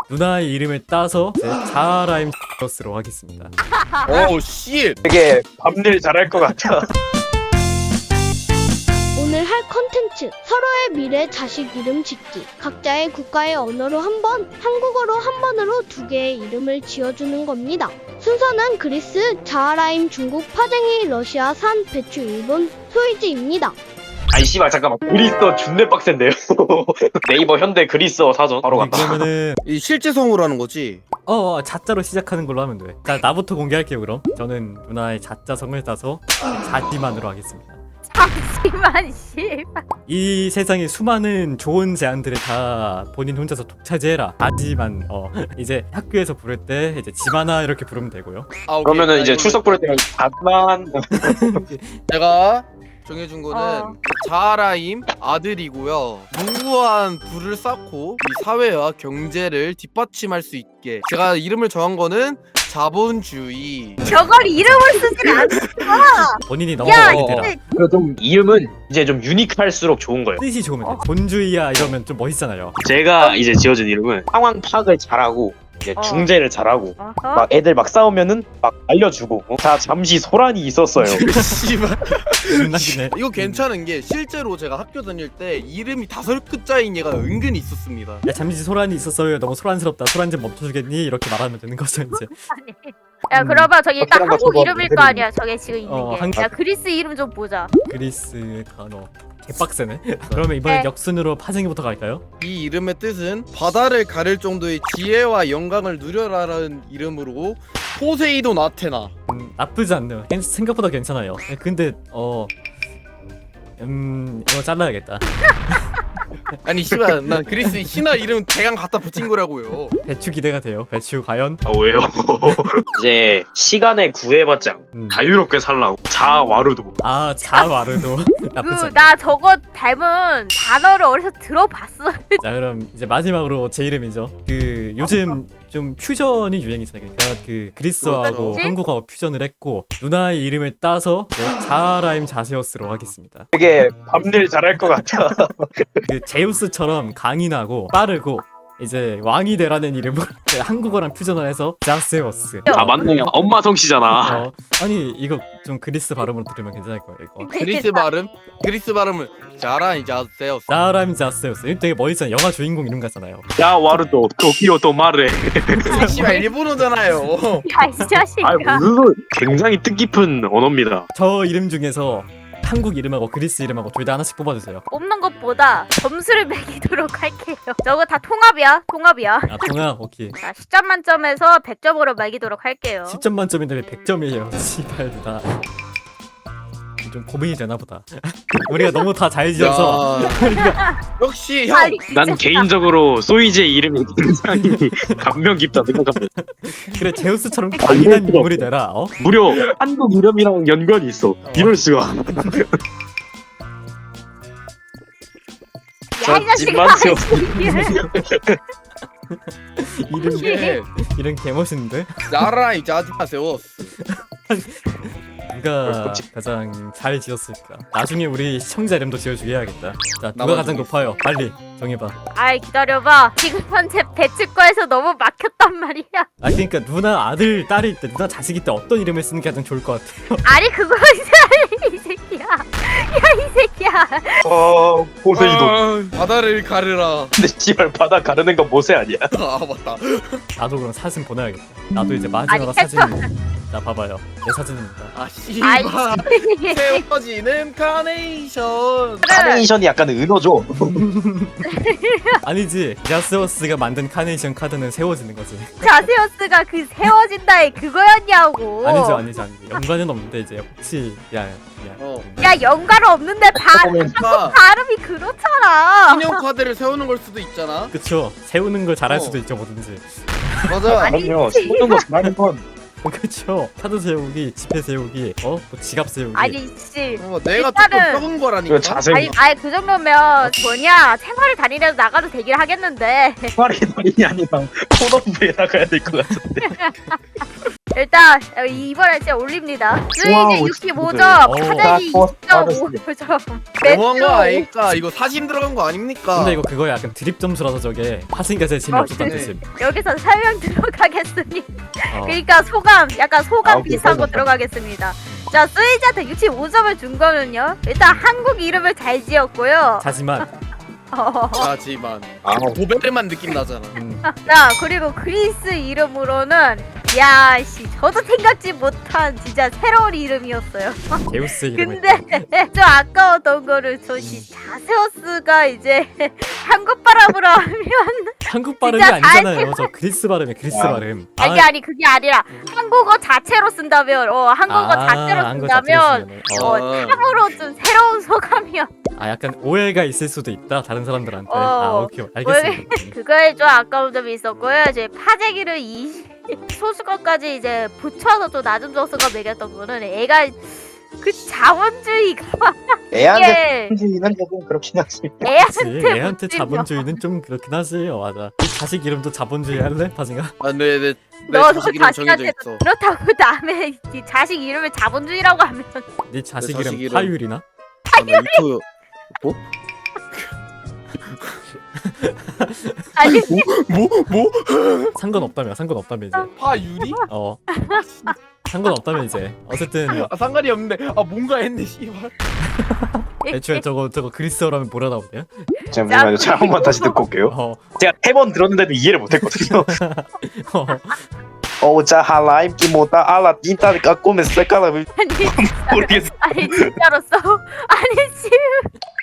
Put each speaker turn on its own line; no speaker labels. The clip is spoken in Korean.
누나의 이름을 따서 자라임 로 하겠습니다.
오 씨.
되게 밤일 잘할 것 같아.
오늘 할 컨텐츠 서로의 미래 자식 이름 짓기. 각자의 국가의 언어로 한 번, 한국어로 한 번으로 두 개의 이름을 지어주는 겁니다. 순서는 그리스, 자하라임 중국, 파쟁이 러시아, 산, 배추 일본, 소이지입니다.
아이 씨발 잠깐만. 그리스어 준내 빡센데요. 네이버 현대 그리스어 사전 바로 간다.
그러면은
이 실제 성우로 하는 거지.
자자로 시작하는 걸로 하면 돼. 자, 나부터 공개할게요. 그럼 저는 누나의 자자성을 따서 자지만으로 하겠습니다.
잠시만 씨발.
이 세상의 수많은 좋은 제안들을 다 본인 혼자서 독차지해라. 하지만 이제 학교에서 부를 때 이제 지만아 이렇게 부르면 되고요.
아, 오케이.
그러면은 이제
이거
출석 부를 때는 잠만.
제가 정해준 거는
어.
자라임 아들이고요. 무고한 부를 쌓고 이 사회와 경제를 뒷받침할 수 있게 제가 이름을 정한 거는 자본주의.
저걸 이름을 쓰진 않아.
본인이 너무
야,
많이 되라.
좀 이름은 이제 좀 유니크할수록 좋은 거예요.
뜻이 좋으면 돼. 본주의야 이러면 좀 멋있잖아요.
제가 이제 지어준 이름은 상황 파악을 잘하고 이제 중재를 잘하고
어허.
막 애들 막 싸우면은 막 알려주고 자 잠시 소란이 있었어요.
씨발.
존나기네.
이거 괜찮은 게 실제로 제가 학교 다닐 때 이름이 5글자인 얘가 은근히 있었습니다.
야, 잠시 소란이 있었어요. 너무 소란스럽다. 소란 좀 멈춰주겠니? 이렇게 말하면 되는 거죠 이제.
야 그러면 저기 일단
확실한 거
한국
저거
이름일 거 아니야. 저게 지금 있는
어,
게.
한국.
야 그리스 이름 좀 보자.
그리스 단어. 개빡세네. 그러면 이번엔
네.
역순으로 파생이부터 갈까요?
이 이름의 뜻은 바다를 가를 정도의 지혜와 영광을 누려라라는 이름으로 포세이돈 아테나.
나쁘지 않네요. 생각보다 괜찮아요. 근데 이거 잘라야겠다.
아니 씨발 난 그리스 신화 이름 대강 갖다 붙인 거라고요.
배추 기대가 돼요. 배추 과연?
아 왜요? 이제 시간에 구애받지 않고 자유롭게 살라고 자와르도.
아 자와르도 나쁘지 않네.
나 저거 닮은 단어를 어디서 들어봤어.
자 그럼 이제 마지막으로 제 이름이죠. 그 요즘 좀 퓨전이 유행이잖아요. 그러니까 그 그리스어하고
뭐지?
한국어 퓨전을 했고 누나의 이름을 따서 자라임 자세우스로 하겠습니다.
되게 밤일 잘할 것 같아.
그 제우스처럼 강인하고 빠르고 이제 왕이 되라는 이름으로 한국어랑 퓨전을 해서 자세우스.
아 맞네요. 엄마 성씨잖아.
아니 이거 좀 그리스 발음으로 들으면 괜찮을 거예요. 이거.
그리스 발음은 자라이 자세요.
자라임 자세우스. 이거 되게 멋있잖아요. 영화 주인공 이름 같잖아요.
야와르도 도키오 또 말해.
씨발 일본어잖아요.
야이 자식아.
아 무슨 소리. 굉장히 뜻깊은 언어입니다.
저 이름 중에서 한국 이름하고 그리스 이름하고 둘 다 하나씩 뽑아주세요.
뽑는 것보다 점수를 매기도록 할게요. 저거 다 통합이야. 통합이야.
아 통합 오케이.
자 10점 만점에서 100점으로 매기도록 할게요.
10점 만점인데 왜 100점이에요? 씨발 누나. 좀 고민이 되나 보다. 우리가 너무 다 잘 지어서
역시 형.
아니,
난 개인적으로 소이지의 이름이 굉장히 감명 깊다 생각합니다.
그래 제우스처럼 강인한 인물이 되라.
무려 한국 이름이랑 연관이 있어. 이럴 수가.
야이 자식아.
이게
이름 개멋있는데?
자라이 자세요.
누가 가장 잘 지었을까? 나중에 우리 시청자 이름도 지어주게 해야겠다. 자 누가
나만
가장
정해.
높아요? 빨리 정해봐.
아이 기다려봐. 지금 현재 배치과에서 너무 막혔단 말이야.
아 그러니까 누나 아들 딸일 때 누나 자식일 때 어떤 이름을 쓰는 게 가장 좋을 것 같아요?
아니 그거 이 새끼야. 야 이 새끼야.
포세이돈.
바다를 가르라.
근데 씨발 바다 가르는 건 모세 아니야?
아 맞다.
나도 그럼 사진 보내야겠다. 나도 이제 마지막으로
아니,
사진. 자 봐봐요. 내 사진입니다.
아
아이
씨발. 세워지는 카네이션.
카네이션이 약간 은어죠.
아니지. 야스워스가 만든 카네이션 카드는 세워지는 거지.
자세오스가 그 세워진다의 그거였냐고.
아니죠. 연관은 없는데 이제 혹시 야.
어.
야 연관 없는데
그러니까
발음이 그렇잖아.
신용 카드를 세우는 걸 수도 있잖아.
그쵸. 세우는 걸 잘할
어.
수도 있죠 뭐든지.
맞아.
아니,
그럼요. 세우는 거 잘하는 건.
그쵸. 카드 세우기, 지폐 세우기, 뭐 지갑 세우기.
아니 씨.
내가
일단은-
조금 적은 거라니까.
이거 자세.
아니 그 정도면 뭐냐 생활을 다니려도 나가도 되긴 하겠는데.
말이 말이 아니라 폰업부에 나가야 될 것 같은데.
일단 이번에 진짜 올립니다. 스위지
와우,
65점,
진짜.
파재기
오.
25점.
너무한 거 아닐까? 이거 사심 들어간 거 아닙니까?
근데 이거 그거야 약간 드립 점수라서 저게 하신가 제일 재미없었다는
네.
뜻임.
여기서 설명 들어가겠습니다.
어.
그러니까 소감, 약간 소감
오케이,
비슷한 거
설명.
들어가겠습니다. 자, 스위지한테 65점을 준 거는요. 일단 한국 이름을 잘 지었고요.
하지만
하지만
아,
고베르만 느낌 나잖아.
자, 그리고 그리스 이름으로는 야, 씨, 저도 생각지 못한 진짜 새로운 이름이었어요.
제우스 이름을.
근데 좀 아까웠던 거를 저씨 자세우스가 이제 한국 발음으로 하면
한국 발음이
진짜 잘
아니잖아요. 저 그리스 발음이 그리스
아.
발음.
아니 그게 아니라 한국어 자체로 쓴다면 한국어 자체로
한국
쓴다면
자체로 쓰면은.
참으로 좀 새로운 소감이야.
아 약간 오해가 있을 수도 있다 다른 사람들한테.
어.
아 오케이 알겠습니다.
그거에 좀 아까운 점이 있었고요. 이제 파재기를 소수거까지 이제 붙여서 좀 낮은 점수가 매겼던 거는 애가 그 자본주의가
애한테
이게
주인은 조금 그렇긴 하지.
그치,
애한테
애한테
붙이면
자본주의는 좀 그렇긴 하지. 맞아. 이 자식 이름도 자본주의 할래? 파징아?
아, 네,
너도
자식 이름 정해져
자식한테
있어.
그렇다고 남의 이 자식 이름을 자본주의라고 하면
네 자식
내
이름
자식 이름.
파율이나?
아, 나 유튜브 뭐?
아니
뭐?
상관없다며 상관없다며 이제.
파유리?
상관없다며 이제. 어쨌든
아, 상관이 없는데. 아, 뭔가 했네, 씨발.
애초에 저거 그리스어라면 뭐라 나오냐?
잠시만요. 제가 한번 다시 듣고 올게요.
어.
제가 3번 들었는데도 이해를 못했거든요.
어.
자 할라임 끼모다 알라 딘타니까 꼬메 세카라
아니
모르겠어.
아니 진짜로 써 아니 지금